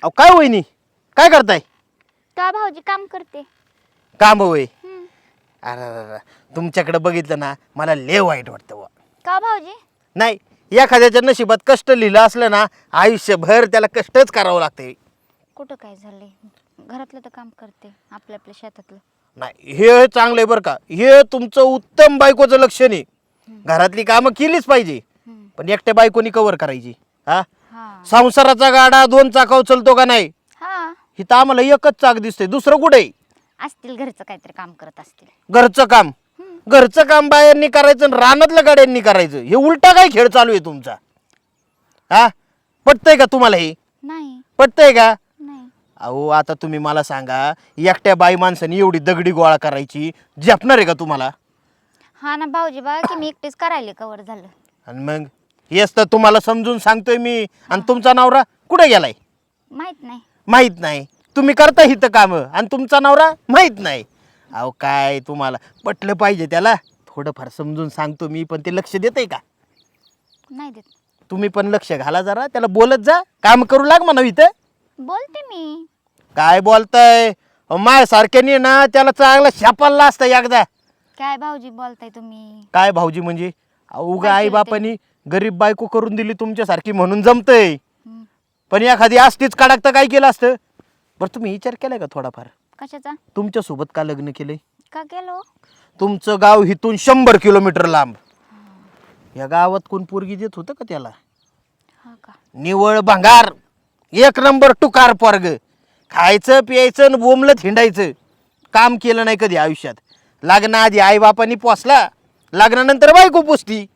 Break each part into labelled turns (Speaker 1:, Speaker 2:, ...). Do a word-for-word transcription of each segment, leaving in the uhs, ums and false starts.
Speaker 1: अहो काय वहिनी काय करताय?
Speaker 2: का भाऊजी काम करते?
Speaker 1: काम होय.
Speaker 2: हम्म.
Speaker 1: अरे अरे अरे, तुमच्याकडे बघितलं ना मला लय वाईट वाटतं बुवा.
Speaker 2: का भाऊजी?
Speaker 1: नाही, एखाद्याच्या नशिबात कष्ट लिहिलं असलं ना आयुष्यभर त्याला कष्टच करावं लागते.
Speaker 2: कुठं काय झालंय? घरातलं तर काम करते, आपल्या आपल्या शेतातलं.
Speaker 1: नाही हे चांगलं आहे बरं का, हे तुमचं उत्तम बायकोचं लक्षण आहे. घरातली कामं केलीच पाहिजे,
Speaker 2: हम्म.
Speaker 1: पण एकट्या बायकोनी कव्हर करायची. हा
Speaker 2: हा
Speaker 1: संसाराचा गाडा दोन चाकाव चलतो का नाही?
Speaker 2: हा
Speaker 1: इथं आम्हाला एकच चाक दिसते, दुसरं कुठे?
Speaker 2: असतील घरचं काहीतरी काम करत असतील.
Speaker 1: घरचं काम
Speaker 2: हम्म.
Speaker 1: घरचं काम बायांनी करायचं आणि रानातल्या गाड्यांनी करायचं, हे उलटा काय खेळ चालू आहे तुमचा? हा पटतंय का तुम्हाला? हे
Speaker 2: नाही
Speaker 1: पटतंय का?
Speaker 2: नाही.
Speaker 1: अहो आता तुम्ही मला सांगा, एकट्या बाई माणसाने एवढी दगडी गोळा करायची झेपणार आहे का तुम्हाला?
Speaker 2: हा ना भाऊजी, बघा की मी एकटीच करायले कवर झालं.
Speaker 1: आणि मग हेच तर तुम्हाला समजून सांगतोय मी. आणि तुमचा नवरा कुठे गेलाय?
Speaker 2: माहित नाही.
Speaker 1: माहित नाही. तुम्ही करता हिथं कामं आणि तुमचा नवरा माहित नाही. अहो काय तुम्हाला पटलं पाहिजे त्याला. थोडंफार समजून सांगतो मी, पण ते लक्ष देते का?
Speaker 2: नाही देत.
Speaker 1: तुम्ही पण लक्ष घाला जरा, त्याला बोलत जा, काम करू लाग म्हणा इथं.
Speaker 2: बोलते मी.
Speaker 1: काय बोलताय? माय सारख्याने ना त्याला चांगला शापाला असतं एकदा.
Speaker 2: काय भाऊजी बोलताय तुम्ही?
Speaker 1: काय भाऊजी म्हणजे? अहो
Speaker 2: काय
Speaker 1: आई
Speaker 2: केलं
Speaker 1: बापानी गरीब बायको करून दिली तुमच्यासारखी म्हणून जमतंय.
Speaker 2: हम्म.
Speaker 1: पण एखादी असतीच कडक तर काय केलं असतं? बरं तुम्ही विचार केलाय का थोडाफार?
Speaker 2: कशाचा?
Speaker 1: तुमच्या सोबत का लग्न केलंय?
Speaker 2: का केलो?
Speaker 1: तुमचं गाव इथून शंभर किलोमीटर लांब. या गावात कोण पोरगी देत होतं का त्याला?
Speaker 2: हा का?
Speaker 1: निवळ भंगार, एक नंबर टुकार पोरग. खायचं प्यायचं आणि बोंबलत हिंडायचं. काम केलं नाही कधी आयुष्यात. लग्नाआधी आई बापानी पोसला, लग्नानंतर बायको पोसती.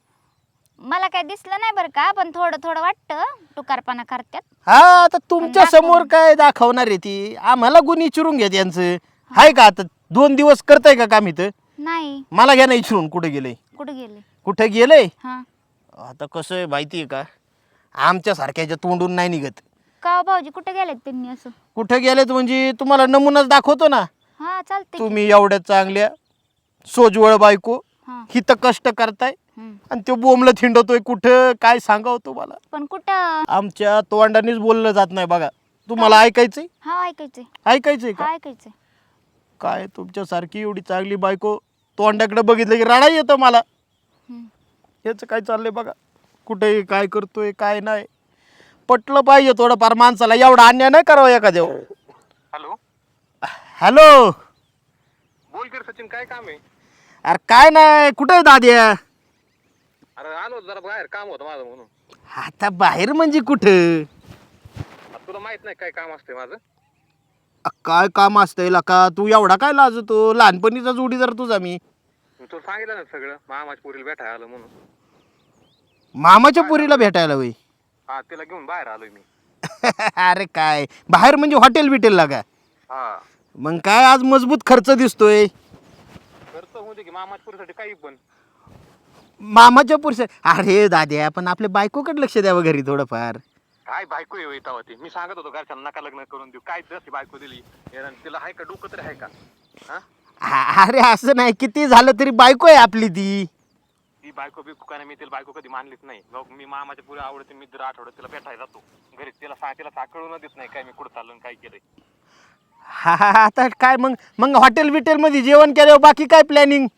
Speaker 2: मला काय दिसलं नाही बरं का, पण थोडं थोडं वाटतं टुकारपणा करतात.
Speaker 1: हा आता तुमच्या समोर काय दाखवणार आहे ती? आम्हाला गुण विचारून घ्या त्यांचं. हाय का आता दोन दिवस करताय का काम इथं?
Speaker 2: नाही.
Speaker 1: मला घ्या ना विचारून कुठे गेलंय?
Speaker 2: कुठे गेले?
Speaker 1: कुठे गेलंय?
Speaker 2: हा
Speaker 1: आता कसं आहे माहिती आहे का, आमच्या सारख्याच्या तोंडून नाही निघत.
Speaker 2: का हो भाऊजी, कुठे गेलेत त्यांनी असं?
Speaker 1: कुठे गेलेत म्हणजे तुम्हाला नमुनाच दाखवतो ना.
Speaker 2: हा चालते.
Speaker 1: तुम्ही एवढ्या चांगल्या सोजवळ बायको
Speaker 2: हा.
Speaker 1: हिथं कष्ट करताय
Speaker 2: हम्म.
Speaker 1: आणि तो बोंबलं थिंडतोय कुठं, काय सांगावं तुम्हाला?
Speaker 2: पण कुठं?
Speaker 1: आमच्या तोंडानेच बोललं जात नाही बघा. तुम्हाला ऐकायचंय?
Speaker 2: हा ऐकायचंय.
Speaker 1: ऐकायचंय
Speaker 2: हा
Speaker 1: का?
Speaker 2: ऐकायचंय.
Speaker 1: काय तुमच्यासारखी एवढी चांगली बायको तोंडाकडे बघितलं की रडा येतं मला.
Speaker 2: हम्म.
Speaker 1: याचं काय चाललंय बघा, कुठे काय करतोय काय नाही. पटलं पाहिजे थोडंफार माणसाला, एवढा अन्याय नाही करावा एखाद्या.
Speaker 3: हॅलो
Speaker 1: हॅलो,
Speaker 3: बोल की रे सचिन, काय काम आहे?
Speaker 1: अरे काय नाही, कुठे आहे दाद्या?
Speaker 3: अरे आलो होतो जरा बाहेर, काम होतं माझं म्हणून.
Speaker 1: आता बाहेर म्हणजे कुठं?
Speaker 3: आता तुला माहित नाही काय काम असते माझं?
Speaker 1: अ, काय काम असतंय का? तू एवढा काय लाजतो? लहानपणीचा जोडीदार तुझा मी.
Speaker 3: मी तुला सांगितलं ना सगळं, मामाच्या पोरीला भेटायला आलं म्हणून.
Speaker 1: मामाच्या पुरीला भेटायला होय?
Speaker 3: हा, तिला घेऊन बाहेर आलोय मी.
Speaker 1: अरे काय बाहेर म्हणजे हॉटेल बिटेल का?
Speaker 3: हा,
Speaker 1: मग काय आज मजबूत खर्च दिसतोय.
Speaker 3: खर्च होऊ दे की मामाच्या पोरीसाठी काही पण.
Speaker 1: मामाच्या पुरुष. अरे दाद्या, पण आपल्या बायकोकडे लक्ष द्यावं घरी थोडंफार.
Speaker 3: काय बायको येऊ येता होती, मी सांगत होतो घरच्यांना नका लग्न करून देऊ. काय जशी बायको दिली यानं, तिला आहे का डोकं तरी आहे का? हा,
Speaker 1: आ- अरे असं नाही, किती झालं तरी बायको आहे आपली ती.
Speaker 3: ती बायको बिकू का नाही, मी तिला बायको कधी मानलीच नाही. मग मी मामाच्या पुरी आवडते, मी दर आठवड्यात तिला भेटायला जातो घरी. तिला सांग, तिला साकळून देत नाही काय मी कुठं चाललो आणि काय केलंय.
Speaker 1: हा हा हा, आता काय मग मग हॉटेल बिटेल मध्ये जेवण केल्यावर बाकी काय प्लॅनिंग?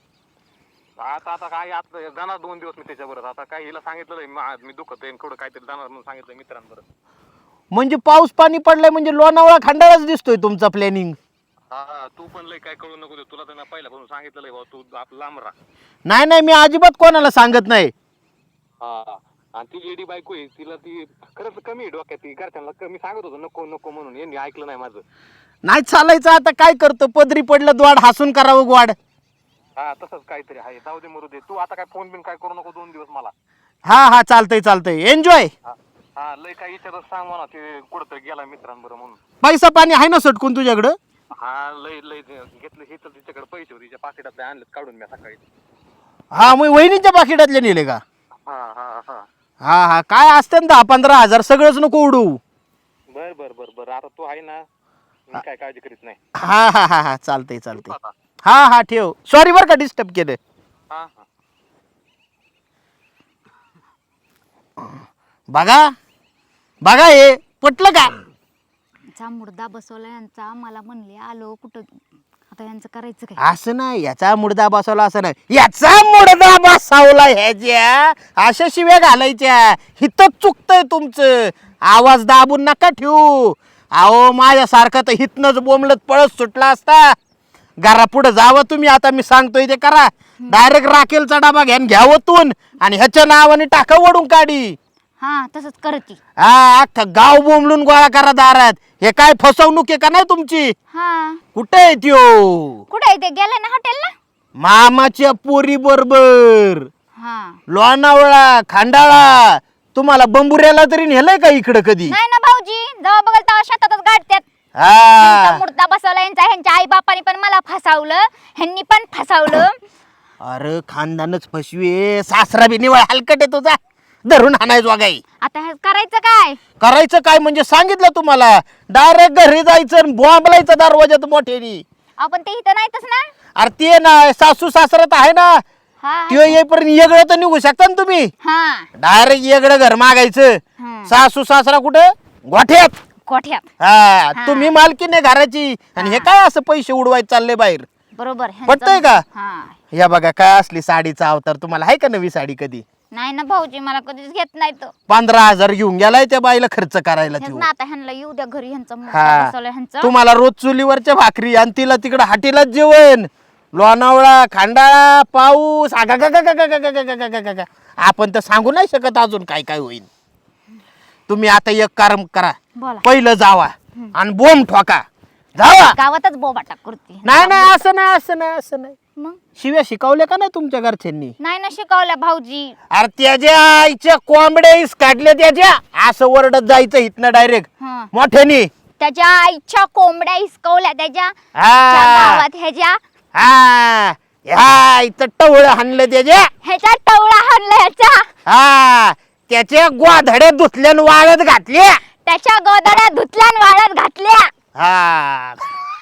Speaker 3: आता आता काय आता जाणार दोन दिवस मी त्याच्याबरोबर. आता काय हिला सांगितलं मी दुखत आहे थोडं काहीतरी जाणार म्हणून सांगितलं मित्रांबरोबर.
Speaker 1: म्हणजे पाऊस पाणी पडलाय म्हणजे लोणावळा खंडाळाच दिसतोय तुमचा प्लॅनिंग.
Speaker 3: हा, तू पण लय काय कळू नको देऊ. तुला तर मी पहिल्यापासून सांगितलं भाऊ, तू आप लांब राहा.
Speaker 1: नाही नाही, मी अजिबात कोणाला सांगत नाही.
Speaker 3: हा, आणि ती एडी बायको आहे, तिला ती खरंच कमी आहे डोक्यात. ती घरच्यांना कमी सांगत होतो नको नको म्हणून, यांनी ऐकलं नाही माझं.
Speaker 1: नाही चालायचं, आता काय करतो, पदरी पडलं द्वाड हसून करावं ग्वाड.
Speaker 3: हा, तसंच काहीतरी आहे. जाऊ दे मरू दे. तू आता काय फोन बिन काय करू नको दोन दिवस मला.
Speaker 1: हा हा, चालतंय चालतंय, एन्जॉय.
Speaker 3: हा, हा, लय काय विचारत सांग म्हणा, ते कुठंतरी गेला मित्रांबरोबर म्हणून.
Speaker 1: पैसा पाणी आहे ना सटकून तुझ्याकडं?
Speaker 3: हा, लय लय घेतलं हे तर तिच्याकडे पैसे होते, तिच्या पाकिटातले आणलेत काढून मी सकाळी.
Speaker 1: हा, मग वहिनीच्या पाकिटातले नेले का?
Speaker 3: हा हा हा,
Speaker 1: हा हा, काय असते ना दहा पंधरा हजार, सगळंच नको उडू.
Speaker 3: बर बर बर बर, आता तू आहे ना, मी काय काळजी करीत नाही.
Speaker 1: हा हा हा हा, चालतंय चालतंय.
Speaker 3: आता.
Speaker 1: हा हा, ठेव. सॉरी बरं का डिस्टर्ब केलं.
Speaker 3: हा हा,
Speaker 1: बघा बघा, हे पटलं का?
Speaker 2: यांचा मुर्दा बसवला यांचा, मला म्हणले आलो कुठं, आता यांचं करायचं काय?
Speaker 1: असं नाही, याचा मुडदा बसवला असं नाही, याचा मुडदा बसवला ह्याच्या, अशा शिव्या घालायच्या. हिथं चुकतंय तुमचं, आवाज दाबून नका ठेवू. अहो माझ्यासारखं तर हिथनच बोंबलत पळत सुटला असता. घरा पुढे जावं तुम्ही, आता मी सांगतोय ते करा. डायरेक्ट राखेलचा डबा घ्यान घ्यावतून आणि ह्याच्या नावाने टाका वडून काढी.
Speaker 2: हा तसंच करती.
Speaker 1: हा अख्खं गाव बोंबलून गोळा करा दारात. हे काय फसवणूक आहे का नाही तुमची?
Speaker 2: हा
Speaker 1: कुठे आहे त्यो?
Speaker 2: कुठे ते गेले ना हॉटेलला?
Speaker 1: मामाच्या पोरी बरोबर
Speaker 2: हा
Speaker 1: लोणावळा खांडाळा. तुम्हाला बंबुऱ्याला तरी नेलंय का इकडं कधी?
Speaker 2: नाही ना भाऊजी, जेव्हा बघल तेव्हा शेतातच गाडत्यात.
Speaker 1: हा
Speaker 2: मुर्दा बसवला यांचा, ह्यांच्या आई बापाने पण मला फसावलं, ह्यांनी पण फसावलं.
Speaker 1: अरे खानदानच फसवे, सासरा बी निवळ हलकट आहे तुझा, धरून हाणायच वागाई.
Speaker 2: आता हे करायचं काय?
Speaker 1: करायचं काय म्हणजे सांगितलं तुम्हाला, डायरेक्ट घरी जायचं बॉम्बलायचं दरवाजात मोठ्यानी.
Speaker 2: आपण ते इथं नाहीतच ना.
Speaker 1: अरे ते ना सासू सासरा तर आहे ना,
Speaker 2: हा
Speaker 1: त्यो येईपर्यंत येगळं तर निघू शकता ना तुम्ही.
Speaker 2: हा
Speaker 1: डायरेक्ट येगळं घर मागायचं.
Speaker 2: हम्म.
Speaker 1: सासू सासरा कुठे? गोठ्यात.
Speaker 2: कोठ्यात.
Speaker 1: हा
Speaker 2: हा.
Speaker 1: तुम्ही मालकीण आहे घराची आणि हे काय असं पैसे उडवायचे चालले बाहेर?
Speaker 2: बरोबर ह्यांचं-
Speaker 1: पटतंय का?
Speaker 2: हा
Speaker 1: या बघा काय असली साडीचा अवतार. तुम्हाला आहे का नवी साडी कधी?
Speaker 2: नाही ना भाऊजी, मला कधीच घेत नाही तो.
Speaker 1: पंधरा हजार घेऊन गेलाय त्या बाईला खर्च करायला
Speaker 2: हेच
Speaker 1: त्यो.
Speaker 2: ना, आता ह्यांना येऊ द्या घरी, ह्यांचा मुर्दा
Speaker 1: हा
Speaker 2: बसवला ह्यांचा.
Speaker 1: तुम्हाला रोज चुलीवरच्या भाकरी आणि तिला तिकडं हाटीलाच जेवण. लोणावळा खांडाळा पाऊस आगा गा गा गा गा गा गा गा गा गा गा गा. आपण तर सांगू नाही शकत अजून काय काय होईल. तुम्ही आता एक काम करा,
Speaker 2: बोला.
Speaker 1: पहिलं जावा आणि बोंब ठोका. जावा.
Speaker 2: गावातच बोबाटा करते.
Speaker 1: नाही नाही असं नाही असं नाही असं नाही.
Speaker 2: मग
Speaker 1: शिव्या शिकवल्या का नाही तुमच्या घरच्यांनी?
Speaker 2: नाही ना शिकवल्या भाऊजी.
Speaker 1: अरे त्याच्या आईच्या कोंबड्या इस काढल्या त्याच्या, असं ओरडत जायचं इथनं डायरेक्ट
Speaker 2: हा.
Speaker 1: मोठ्यानी.
Speaker 2: त्याच्या आईच्या कोंबड्या हिसकवल्या त्याच्या
Speaker 1: हा.
Speaker 2: त्या गावात, ह्याच्या
Speaker 1: हा ह्या इथं टवळ हाणलं त्याच्या.
Speaker 2: ह्याचा टवळा हाणला ह्याचा,
Speaker 1: हा त्याच्या गोधड्या धुतल्यान वाळत घातल्या.
Speaker 2: त्याच्या गोदड्या धुतल्यान वाळत घातल्या.
Speaker 1: हा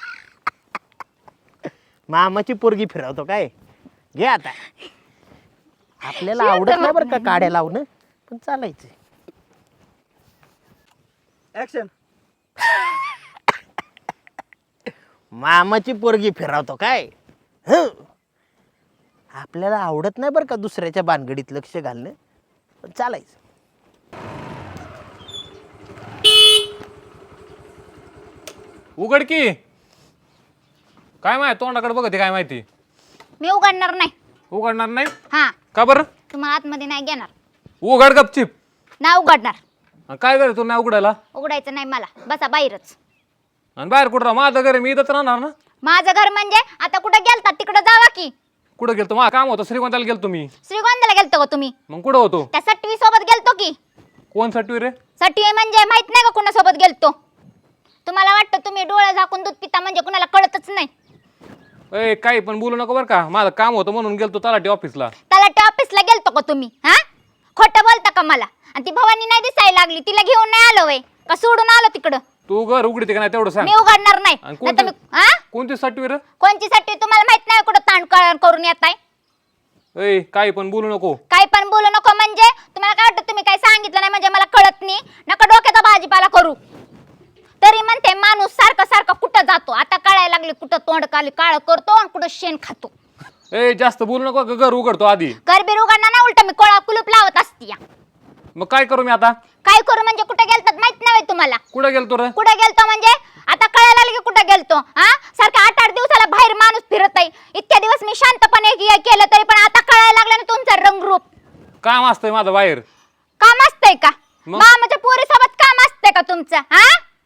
Speaker 1: मामाची पोरगी फिरवतो काय? घे आता. आपल्याला आवडत नाही बरं का काड्या लावणं, पण चालायचं.
Speaker 4: ऍक्शन.
Speaker 1: मामाची पोरगी फिरवतो काय? हं. आपल्याला आवडत नाही बरं का दुसऱ्याच्या भानगडीत लक्ष घालणं, पण चालायचं.
Speaker 3: उघड की. काय माहिती तोंडाकडे बघते, काय माहिती?
Speaker 2: मी उघडणार नाही.
Speaker 3: उघडणार नाही
Speaker 2: हा
Speaker 3: का बरं?
Speaker 2: तुम्हाला आतमध्ये नाही घेणार.
Speaker 3: उघड गपचिप.
Speaker 2: नाही उघडणार.
Speaker 3: आणि काय करे तू नाही उघडायला?
Speaker 2: उघडायचं नाही मला, बसा बाहेरच.
Speaker 3: आणि बाहेर कुठं राहा? माझं घर आहे, मी इथंच राहणार ना.
Speaker 2: माझं घर म्हणजे आता कुठं गेलता तिकडं जावा की.
Speaker 3: कुठं गेलतो? माझं काम होतं, श्रीगोंद्याला गेलतो तुम्ही.
Speaker 2: श्रीगोंद्याला गेलतो का तुम्ही?
Speaker 3: मग कुठं होतो?
Speaker 2: त्या सटवी सोबत गेलतो की.
Speaker 3: कोण सटवी रे?
Speaker 2: सटवी म्हणजे माहित नाही का कुणासोबत गेलतो? तुम्हाला वाटतं तुम्ही डोळे झाकून दूध पिता म्हणजे कुणाला कळतच नाही.
Speaker 3: ए काही पण बोलू नको बरं का. माझं काम होतं म्हणून गेलतो तलाठी ऑफिसला.
Speaker 2: तलाठी ऑफिसला गेलतो का तुम्ही? हा खोटं बोलता का मला? आणि ती भवानी नाही दिसायला लागली, तिला घेऊन नाही आलो वय का सोडून आलो तिकडं?
Speaker 3: तू घर उघडते का नाही तेवढं सांग.
Speaker 2: मी उघडणार नाही.
Speaker 3: आणि
Speaker 2: नाहीतर
Speaker 3: कोणती
Speaker 2: मी- हा?
Speaker 3: कोणती सटवी रे?
Speaker 2: कोणची साठी तुम्हाला माहित नाही कुठं ताण क- करून येताय?
Speaker 3: ए काही पण बोलू नको.
Speaker 2: काही पण बोलू नको म्हणजे तुम्हाला काय वाटतं तुम्ही काही सांगितलं नाही म्हणजे मला कळत नाही? नका डोक्याचा भाजीपाला करू. तरी म्हणते माणूस सारखं सारखं कुठं जातो, आता कळायला लागली कुठं तोंड काली काळ करतो आणि कुठं शेण खातो.
Speaker 3: ए जास्त बोलू नको, घर उघडतो आधी.
Speaker 2: गरबीर उघडणार ना, उलट मी कोळा कुलूप लावत असती.
Speaker 3: मग काय करू मी आता?
Speaker 2: काय करू म्हणजे कुठे गेलतात माहित नाही तुम्हाला?
Speaker 3: कुठं गेलतो रे?
Speaker 2: कुठे गेलतो म्हणजे आता कळायला लागली कुठे गेलतो. हा सारखं आठ आठ दिवसाला बाहेर माणूस फिरत आहे. इतक्या दिवस मी शांतपणे के- केलं तरी पण आता कळायला लागलं ना तुमचं रंगरूप.
Speaker 3: काम असतंय माझं बाहेर.
Speaker 2: काम असतंय का?
Speaker 3: मग?
Speaker 2: मामाच्या पोरीसोबत काम असतंय का तुमचं? हा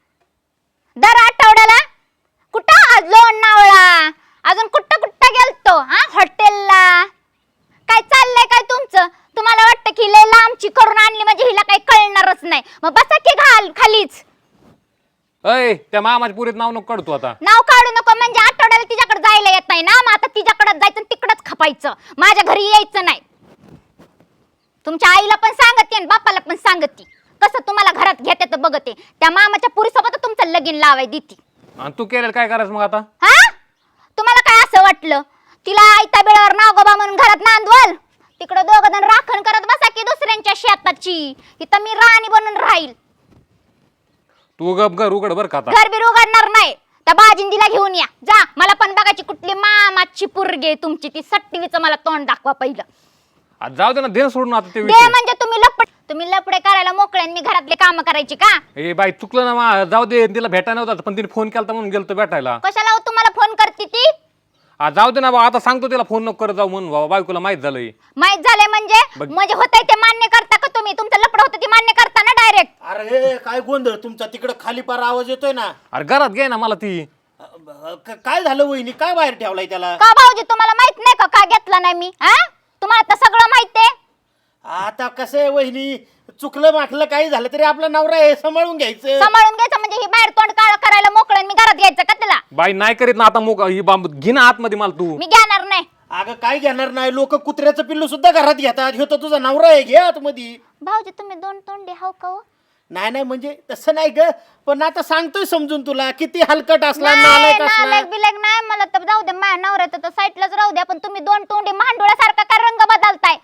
Speaker 2: दर आठवड्याला कुठं आज लोणावळा, अजून कुठं कुठं गेलतो? हा हॉटेलला. काय चाललंय काय तुमचं? तुम्हाला वाटतं की लय लांबची करून आणली म्हणजे हिला काही कळणारच नाही. मग बसा की घाल खालीच.
Speaker 3: अय त्या मामाच्या पुरीत नाव नको काढतो आता.
Speaker 2: नाव काढू नको म्हणजे आठवड्याला तिच्याकडे जायला येत नाही ना, मग आता तिच्याकडे जायचं आणि तिकडच खपायचं, माझ्या घरी यायचं नाही. तुमच्या आईला पण सांगते आणि बापाला पण सांगते कसं तुम्हाला घरात घेते तर बघते. त्या मामाच्या पुरीसोबत तुमचं लगीन लावाय देती.
Speaker 3: आणि तू केलेलं काय करायचं मग आता?
Speaker 2: हा तुम्हाला काय असं वाटलं तिला आयत्या बेळावर नागोबा म्हणून घरात नांदवल? तिकडे दोघ जण राखण करत बसा की दुसऱ्यांच्या शेताची. इथं मी राणी बनून राहील.
Speaker 4: तू गप घर उघड बर का आता.
Speaker 2: घर बीर उघडणार नाही. त्या बाजिंदीला घेऊन या जा. मला पण बघायची कुठली मामाची पोरगी तुमची ती सट्टीवीचं मला तोंड दाखवा पहिलं.
Speaker 4: आज जाऊ दे ना, दे सोडून आता ते
Speaker 2: दे
Speaker 4: विषय.
Speaker 2: म्हणजे तुम्ही लपड तुम्ही लपडे करायला मोकळे आणि मी घरातले काम करायची का?
Speaker 4: ए बाई चुकलं ना मा, जाऊ दे. तिला भेटायला नव्हता पण तिने फोन केला म्हणून गेलतो भेटायला.
Speaker 2: कशाला हो तुम्हाला फोन करते ती?
Speaker 4: आज जाऊ दे ना बा, आता सांगतो तिला फोन नको करत जाऊ म्हणून बाबा, बायकोला माहित झालंय.
Speaker 2: माहित झालंय म्हणजे
Speaker 4: बघ.
Speaker 2: म्हणजे होतंय ते मान्य करता का तुम्ही? तुमचं लपड होतं ते मान्य करता ना डायरेक्ट?
Speaker 1: अरे काय गोंधळ तुमचा तिकडं खाली पार आवाज येतोय ना.
Speaker 4: अरे घरात घे ना मला ती.
Speaker 1: अ, क- काय झालं वहिनी, काय बाहेर ठेवलाय त्याला?
Speaker 2: का भाऊजी तुम्हाला माहित नाही का का घेतला नाही मी? हा तुम्हाला तर सगळं माहितीये.
Speaker 1: आता कसं आहे वहिनी, चुकलं माकलं काही झालं तरी आपला नवरा आहे, सांभाळून घ्यायचं.
Speaker 2: सांभाळून घ्यायचं म्हणजे ही बाहेर तोंड काळ करायला मोकळं आणि मी घरात घ्यायचं का तिला?
Speaker 4: बाई नाही करीत ना आता मोक ही बांब घे ना आतमध्ये मला तू.
Speaker 2: मी घेणार नाही.
Speaker 1: अगं काय घेणार नाही, लोक कुत्र्याचं पिल्लू सुद्धा घरात घेतात. ह्यो तर तुझा नवरा आहे, घे आतमध्ये.
Speaker 2: भाऊजी तुम्ही दोन तोंडे हाव का हो?
Speaker 1: नाही नाही म्हणजे तसं नाही ग, पण आता सांगतोय समजून तुला, किती हलकट असला
Speaker 2: नाही,
Speaker 1: नालायक असला.
Speaker 2: नालायक बिलायक नाही मला तर जाऊ दे. माझ्या नवऱ्याचं तर साईडलाच राहू द्या. पण तुम्ही दोन तोंडे मांडोळ्यासारखा का रंग बदलताय?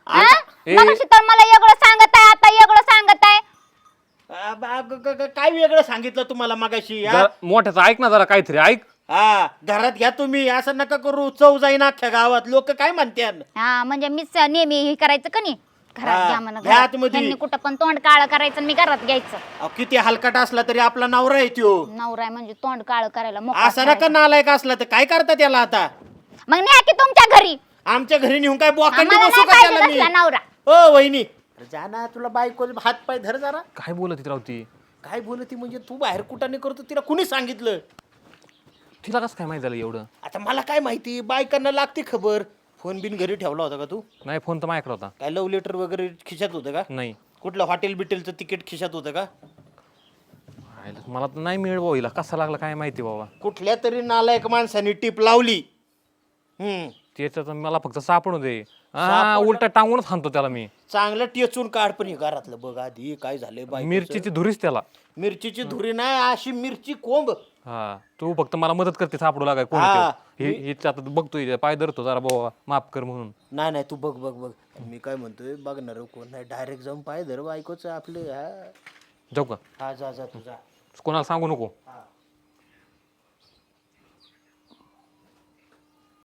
Speaker 4: ए-
Speaker 2: मगाशी तर मला वेगळं सांगत आहे, आता वेगळं सांगत आहे.
Speaker 1: आ, बा, ग- ग- ग- काय वेगळं सांगितलं तुम्हाला मगाशी? हा?
Speaker 4: जरा मोठ्याचं ऐक ना जरा काहीतरी ऐक.
Speaker 1: हा घरात घ्या तुम्ही, असं नका करू. चव जाईन अख्ख्या गावात, लोक काय म्हणतात.
Speaker 2: हा म्हणजे मीच नेहमी हे करायचं का नाही?
Speaker 1: हा,
Speaker 2: घरात घ्या म्हणा.
Speaker 1: घ्या
Speaker 2: घरात.
Speaker 1: आतमध्ये.
Speaker 2: ह्यांनी कुठं पण तोंड काळ करायचं आणि मी घरात घ्यायचं.
Speaker 1: अहो, किती हलकट असला तरी आपला नवरा आहे त्यो.
Speaker 2: नवरा आहे म्हणजे तोंड काळ करायला मोकळा
Speaker 1: असं नका
Speaker 2: करायचा.
Speaker 1: नालायक असला तर काय करता त्याला आता?
Speaker 2: मग न्या की तुमच्या घरी.
Speaker 1: आमच्या घरी नेऊन काय बोकांडी
Speaker 2: आम्हाला
Speaker 1: बसू
Speaker 2: नाही
Speaker 1: का
Speaker 2: पाहिजे
Speaker 1: त्याला मी?
Speaker 2: तसला नवरा.
Speaker 1: ओ वहिनी, अरे जा ना, तुला बायको हात पाय धर जरा.
Speaker 4: काय बोलत राव ती?
Speaker 1: काय बोलती म्हणजे? तू बाहेर कुठाने करतो, तिला कुणी सांगितलं?
Speaker 4: तिला कसं काय माहित झालं एवढं?
Speaker 1: आता मला काय माहिती, बायकांना लागते खबर. फोन बिन घरी ठेवला होता का तू?
Speaker 4: नाही फोन तर माझ्याकडे होता.
Speaker 1: काय लव्ह लेटर वगैरे खिशात होतं का?
Speaker 4: नाही.
Speaker 1: कुठलं हॉटेल बिटेलचं तिकीट खिशात होतं का?
Speaker 4: आयला, मला तर नाही मिळ भाऊ, हिला कसा लागला काय माहिती बाबा.
Speaker 1: कुठल्या तरी नालायक माणसाने टीप लावली. हम्म
Speaker 4: त्याचं तर मला फक्त सापडू दे. हा
Speaker 1: सापडलं?
Speaker 4: उलटा टांगूनच हाणतो त्याला मी.
Speaker 1: चांगलं टेचून काढ, पण हे घरातलं बघ आधी काय झालंय. बाई
Speaker 4: मिरचीची धुरीच त्याला.
Speaker 1: मिरचीची धुरी नाही, अशी मिरची कोंब.
Speaker 4: हा तू फक्त मला मदत करते सापडू लागाय कोण
Speaker 1: हा.
Speaker 4: ते. हे हे आता बघतोय पाय धरतो जरा बाबा माफ कर म्हणून.
Speaker 1: नाही नाही तू बघ बघ बघ, मी काय म्हणतोय, बघणार कोण नाही, डायरेक्ट जाऊन पाय धर बायकोच आपले. हा
Speaker 4: जाऊ का?
Speaker 1: हा जा जा तू जा.
Speaker 4: कोणाला सांगू नको.
Speaker 1: हा